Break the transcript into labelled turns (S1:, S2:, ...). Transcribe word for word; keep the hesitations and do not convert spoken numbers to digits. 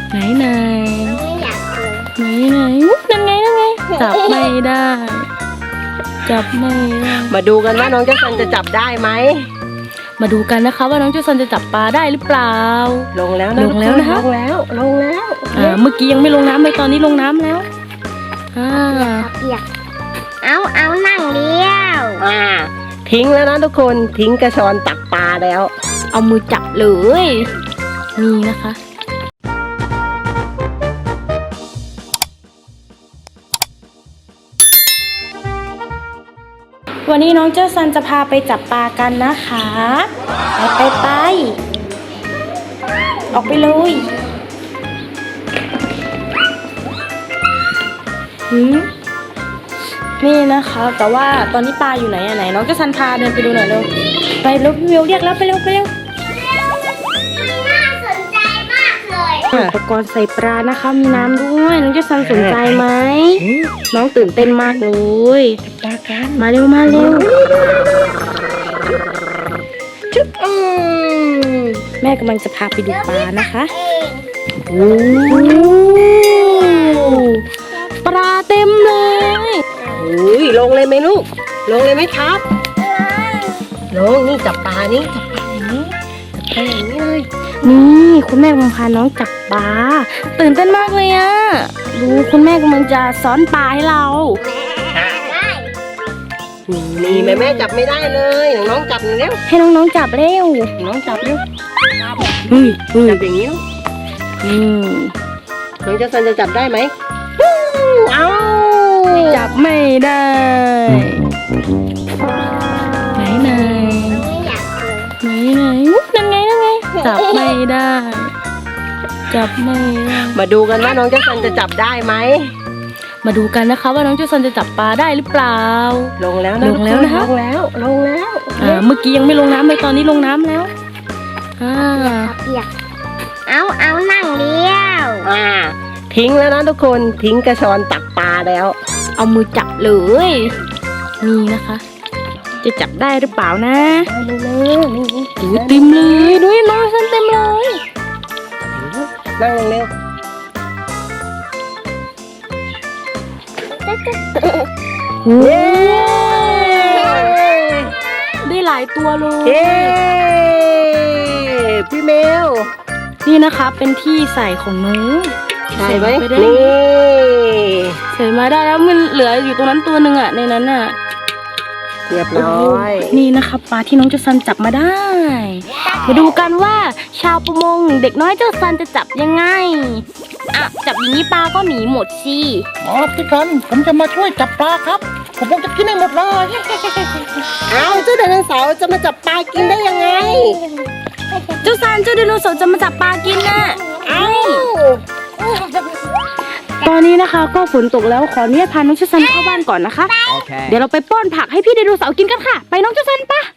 S1: ไหนไหน
S2: ไม่อยากเลย
S1: ไหนไหนนั่นไงนั่นไงจับไม่ได้ จับไม่ได้
S3: มาดูกันว่าน้องเจ้าซันจะจับได้ไหม
S1: มาดูกันนะคะว่าน้องเจ้าซันจะจับปลาได้หรือเปล่า
S3: ลงแล้วนะ
S1: ลงแล้วนะคะ
S3: ลงแล้วลงแล้ว
S1: อ่าเมื่อกี้ยังไม่ลงน้ำเลยตอนนี้ลงน้ำแล้วอ่า
S2: เปียกเอาเอานั่งเลี้ยว
S3: อ่าทิ้งแล้วนะทุกคนทิ้งกระชอนตักปลาแล้ว
S1: เอามือจับเลยนี่นะคะ วันนี้น้องเจ้าซันจะพาไปจับปลากันนะคะไปไปไปออกไปเลยหืมนี่นะคะแต่ว่าตอนนี้ปลาอยู่ไหนอะไหนน้องเจ้าซันพาเดินไปดูหน่อยเร็วไปเร็วพี่วิวเรียกแล้วไปเร็วไปเร็ว
S2: น่าสนใจมากเลย
S1: อุปกรณ์ใส่ปลานะคะมีน้ำด้วยน้องเจ้าซันสนใจไหมน้องตื่นเต้นมากเลย
S3: ปลากัน
S1: มาเร็วมาเร็ว
S3: จุ๊บอืม
S1: แม่กำลังจะพาไปดูปลานะคะ
S2: เอง
S3: โอ้
S1: ปลาเต็มเลย
S3: ยลงเลยไหมลูกลงเลยไหมครับลงนี่จับปลานี่จับปลาอย่างนี้จับปลาอย่างนี้เลย
S1: นี่คุณแม่กำลังพาน้องจับปลาตื่นเต้นมากเลยอะดูคุณแม่กำลังจะซ้อนปลาให้เรา
S2: ได้
S3: นี่แม่แม่จับไม่ได้เลยน้องจับเร็ว
S1: ให้น้องๆจับเร็ว
S3: น้องจับเร็ว
S1: เฮ้ยเฮ้ย
S3: จับอย่างนี้ลูก
S1: อืม
S3: น้องเจ้าซันจะจับได้ไหมเอา
S1: จับไม่ได้ไหนไหน
S2: ไม่อยากเลย
S1: ไหนไหนนั่นไงนั่นไงจับไม่ได้ จับไม่ได้
S3: มาดูกันว่าน้องเจ้าซันจะจับได้ไหม
S1: มาดูกันนะคะว่าน้องเจ้าซันจะจับปลาได้หรือเปล่า
S3: ลงแล้วนะ
S1: ลงแล้วนะคะ
S3: ลงแล้วลงแล้ว
S1: อ่าเมื่อกี้ยังไม่ลงน้ำเลยตอนนี้ลงน้ำแล้วอ่า
S2: เปียกเอาเอานั่งเลี้ยว
S3: อ่าทิ้งแล้วนะทุกคนทิ้งกระชอนตักปลาแล้ว
S1: เอามือจับเลยนี่นะคะ จะจับได้หรือเปล่านะ
S3: เร็วๆนี่
S1: ดูเต็มเลยดูน้องซันเต็มเลย
S3: นั่งลงเร็ว
S1: โอ้
S3: เย้
S1: ได้หลายตัวเลย
S3: เย้พี่เมล
S1: นี่นะคะเป็นที่ใส่ของหนู
S3: ใช่ไหม
S1: ใส่ปด้
S3: นี่
S1: ใส่มาได้แล้วมันเหลืออยู่ตรงนั้นตัวหนึ่งอะในนั้นอะ
S3: เรียบร้อย
S1: นี่นะคะปลาที่น้องเจ้าซันจับมาได้ มาดูกันว่าชาวประมงเด็กน้อยเจ้าซันจะจับยังไงอ่ะจับอย่างนี้ปลาก็หนีหมดสิ
S4: อ๋อพี่กันผมจะมาช่วยจับปลาครับ ผมคงจะกินให้หมดเลย
S3: เอาเจ้าไดโนเสาร์จะมาจับปลากินได้ยังไง
S1: เจ้าซันเจ้าไดโนเสาร์จะมาจับปลากินน่ะ
S3: เอ้า
S1: ตอนนี้นะคะก็ฝนตกแล้วขออนุญาตพาน้องเจ้าซันเข้าบ้านก่อนนะคะ เดี๋ยวเราไปป้อนผักให้พี่ไดโนเสาร์กินกันค่ะ ไปน้องเจ้าซันปะ